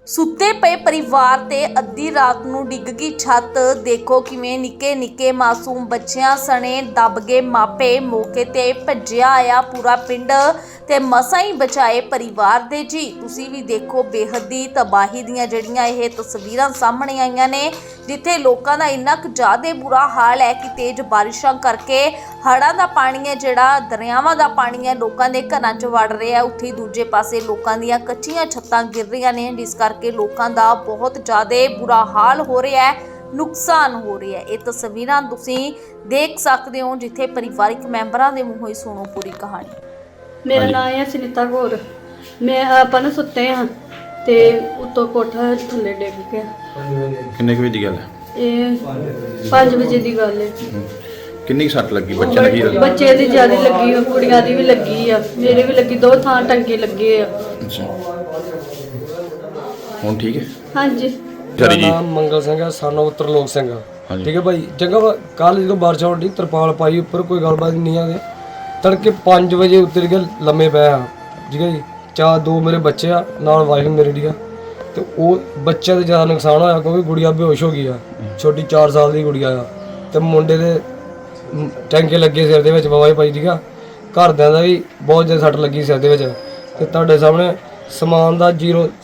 ਸੁੱਤੇ ਪਏ ਪਰਿਵਾਰ ਤੇ ਅੱਧੀ ਰਾਤ ਨੂੰ ਡਿੱਗ ਗਈ ਛੱਤ। ਦੇਖੋ ਕਿਵੇਂ ਨਿੱਕੇ ਨਿੱਕੇ ਮਾਸੂਮ ਬੱਚਿਆਂ ਸਣੇ ਦਬ ਗਏ ਮਾਪੇ। ਮੌਕੇ ਤੇ ਭੱਜਿਆ ਆਇਆ ਪੂਰਾ ਪਿੰਡ ਤੇ ਮਸਾਂ ਹੀ ਬਚਾਏ ਪਰਿਵਾਰ ਦੇ ਜੀ। ਤੁਸੀਂ ਵੀ ਦੇਖੋ ਬੇਹੱਦੀ ਤਬਾਹੀ ਦੀਆਂ ਜਿਹੜੀਆਂ ਇਹ ਤਸਵੀਰਾਂ ਸਾਹਮਣੇ ਆਈਆਂ ਨੇ, ਜਿੱਥੇ ਲੋਕਾਂ ਦਾ ਇੰਨਾ ਕੁ ਜ਼ਿਆਦਾ ਬੁਰਾ ਹਾਲ ਹੈ ਕਿ ਤੇਜ਼ ਬਾਰਿਸ਼ਾਂ ਕਰਕੇ ਹੜ੍ਹਾਂ ਦਾ ਪਾਣੀ ਹੈ ਜਿਹੜਾ, ਦਰਿਆਵਾਂ ਦਾ ਪਾਣੀ ਹੈ, ਲੋਕਾਂ ਦੇ ਘਰਾਂ 'ਚ ਵੜ ਰਿਹਾ। ਉੱਥੇ ਦੂਜੇ ਪਾਸੇ ਲੋਕਾਂ ਦੀਆਂ ਕੱਚੀਆਂ ਛੱਤਾਂ ਗਿਰ ਰਹੀਆਂ ਨੇ, ਜਿਸ ਕਰਕੇ ਲੋਕਾਂ ਦਾ ਬਹੁਤ ਜ਼ਿਆਦਾ ਬੁਰਾ ਹਾਲ ਹੋ ਰਿਹਾ ਹੈ, ਨੁਕਸਾਨ ਹੋ ਰਿਹਾ ਹੈ। ਇਹ ਤਸਵੀਰਾਂ ਤੁਸੀਂ ਦੇਖ ਸਕਦੇ ਹੋ, ਜਿੱਥੇ ਪਰਿਵਾਰਿਕ ਮੈਂਬਰਾਂ ਦੇ ਮੂੰਹੋਂ ਹੀ ਸੁਣੋ ਪੂਰੀ ਕਹਾਣੀ। मेरा नाम है सुनीता कौर। मैं अपन सुते हाँ ते उत्तों कोठा थल्ले डिग गया। किन्ने कुछ दी गल है? ये 5 बजे की गल है। किन्नी कुछ सट लगी बच्चे ने? की बच्चे दी ज्यादा लगी है, कुड़ियां दी भी लगी है, मेरे भी लगी, 2 थां टंगे लगे है। अच्छा हुण ठीक है? हाँ जी। सरी जी नाम मंगल सिंह है, सन ऑफ त्रिलोक सिंह। हाँ जी। ठीक है भाई, चंगा कल जो बारिश होनी तरपाल पाई उपर, कोई गलबात नहीं है। तड़के 5 बजे उतर के लम्मे पे हाँ, ठीक है जी। 2 मेरे बच्चे आ नाल वाइफ मेरी, ठीक है। तो वो बच्चे का ज़्यादा नुकसान होया क्योंकि गुड़िया बेहोश हो गई है, छोटी 4 साल की गुड़िया आ। तो मुंडे दे टैंके लगे सिर दे विच बवाई पाई, ठीक है। घरदियां दा भी बहुत ज़्यादा सट लगी सिर दे विच। ते तुहाडे सामने समान दा